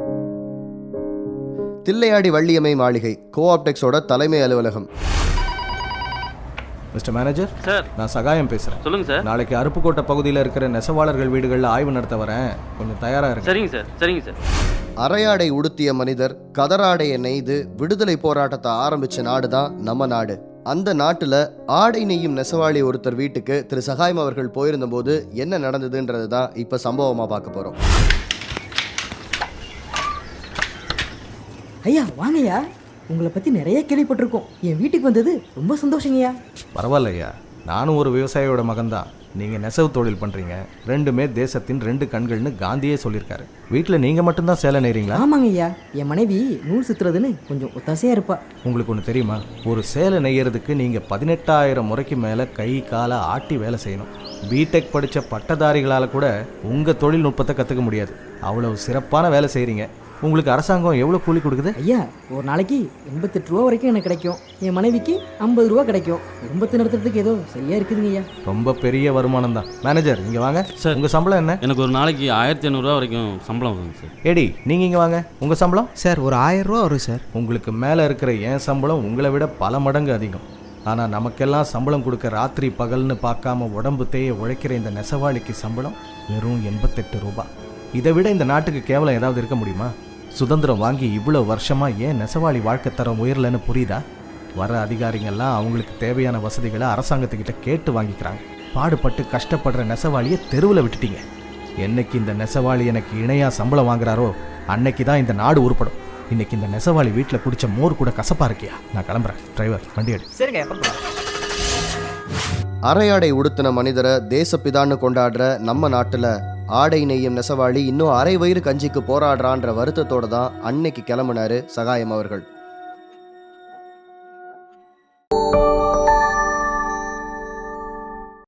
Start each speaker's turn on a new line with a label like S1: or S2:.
S1: தில்லையாடி வள்ளியம்மை மாளிகை, கோஆப்டெக்ஸோட தலைமை அலுவலகம்.
S2: மிஸ்டர் மேனேஜர்
S3: சார்,
S2: நான் சகாயம் பேசுகிறேன்.
S3: சொல்லுங்கள் சார்.
S2: நாளைக்கு அருப்புக்கோட்டை பகுதியில் இருக்கிற நெசவாளர்கள் வீடுகளில் ஆய்வு நடத்த வரேன், கொஞ்சம் தயாராக இருக்கு.
S3: சரிங்க சார், சரிங்க சார்.
S1: அரையாடை உடுத்திய மனிதர் கதராடையை நெய்து விடுதலை போராட்டத்தை ஆரம்பிச்ச நாடு தான் நம்ம நாடு. அந்த நாட்டில் ஆடை நெய்யும் நெசவாளி ஒருத்தர் வீட்டுக்கு திரு சகாயம் அவர்கள் போயிருந்த போது என்ன நடந்ததுன்றது தான் இப்போ சம்பவமாக பார்க்க போகிறோம்.
S4: ஐயா வாங்கய்யா, உங்களை பற்றி நிறைய கேள்விப்பட்டிருக்கோம். என் வீட்டுக்கு வந்தது ரொம்ப சந்தோஷங்கய்யா.
S2: பரவாயில்லையா, நானும் ஒரு விவசாயியோட மகன்தான். நீங்கள் நெசவு தொழில் பண்ணுறீங்க, ரெண்டுமே தேசத்தின் ரெண்டு கண்கள்னு காந்தியே சொல்லியிருக்காரு. வீட்டில் நீங்கள் மட்டும்தான் சேலை நெய்றீங்களா?
S4: ஆமாங்க ஐயா, என் மனைவி நூல் சுற்றுறதுன்னு கொஞ்சம் ஒத்தாசையாக இருப்பா.
S2: உங்களுக்கு ஒன்று தெரியுமா, ஒரு சேலை நெய்யறதுக்கு நீங்கள் 18,000 முறைக்கு மேலே கை காலை ஆட்டி வேலை செய்யணும். பிடெக் படித்த பட்டதாரிகளால் கூட உங்கள் தொழில்நுட்பத்தை கற்றுக்க முடியாது. அவ்வளவு சிறப்பான வேலை செய்கிறீங்க. உங்களுக்கு அரசாங்கம் எவ்வளோ கூலி கொடுக்குது?
S4: ஐயா, ஒரு நாளைக்கு 88 ரூபா வரைக்கும் எனக்கு கிடைக்கும். என் மனைவிக்கு 50 ரூபா கிடைக்கும். குடும்பத்தை நடத்துறதுக்கு ஏதோ சரியா இருக்குதுங்க ஐயா.
S2: ரொம்ப பெரிய வருமானம் தான். மேனேஜர் இங்கே வாங்க
S3: சார்.
S2: உங்கள் சம்பளம் என்ன?
S3: எனக்கு ஒரு நாளைக்கு 1500 வரைக்கும் சம்பளம் வருங்க சார்.
S2: ஏடி நீங்கள் இங்கே வாங்க, உங்கள் சம்பளம்?
S5: சார் ஒரு 1000 ரூபா வரும் சார்.
S2: உங்களுக்கு மேலே இருக்கிற என் சம்பளம் உங்களை விட பல மடங்கு அதிகம். ஆனால் நமக்கெல்லாம் சம்பளம் கொடுக்க ராத்திரி பகல்னு பார்க்காம உடம்பு தேய உழைக்கிற இந்த நெசவாளிக்கு சம்பளம் வெறும் 88 ரூபா. இதை விட இந்த நாட்டுக்கு கேவலம் ஏதாவது இருக்க முடியுமா? சுதந்திரம் வாங்கி இவ்வளோ வருஷமாக ஏன் நெசவாளி வாழ்க்கை தரம் உயரலன்னு புரியுதா? வர அதிகாரிங்கெல்லாம் அவங்களுக்கு தேவையான வசதிகளை அரசாங்கத்துக்கிட்ட கேட்டு வாங்கிக்கிறாங்க. பாடுபட்டு கஷ்டப்படுற நெசவாளியை தெருவில் விட்டுட்டீங்க. என்னைக்கு இந்த நெசவாளி எனக்கு இணையாக சம்பளம் வாங்குறாரோ அன்னைக்கு தான் இந்த நாடு உருப்படும். இன்னைக்கு இந்த நெசவாளி வீட்டில் குடிச்ச மோர் கூட கசப்பா இருக்கியா? நான் கிளம்புறேன். டிரைவர் வண்டி எடு.
S4: சரிங்க.
S1: அரையாடை உடுத்தின மனிதரை தேசப்பிதான்னு கொண்டாடுற நம்ம நாட்டில் ஆடை நெய்யும் நெசவாளி இன்னும் அரை வயிறு கஞ்சிக்கு போராடுறான்ற வருத்தத்தோடு தான் அன்னைக்கு கிளம்புனாரு சகாயம் அவர்கள்.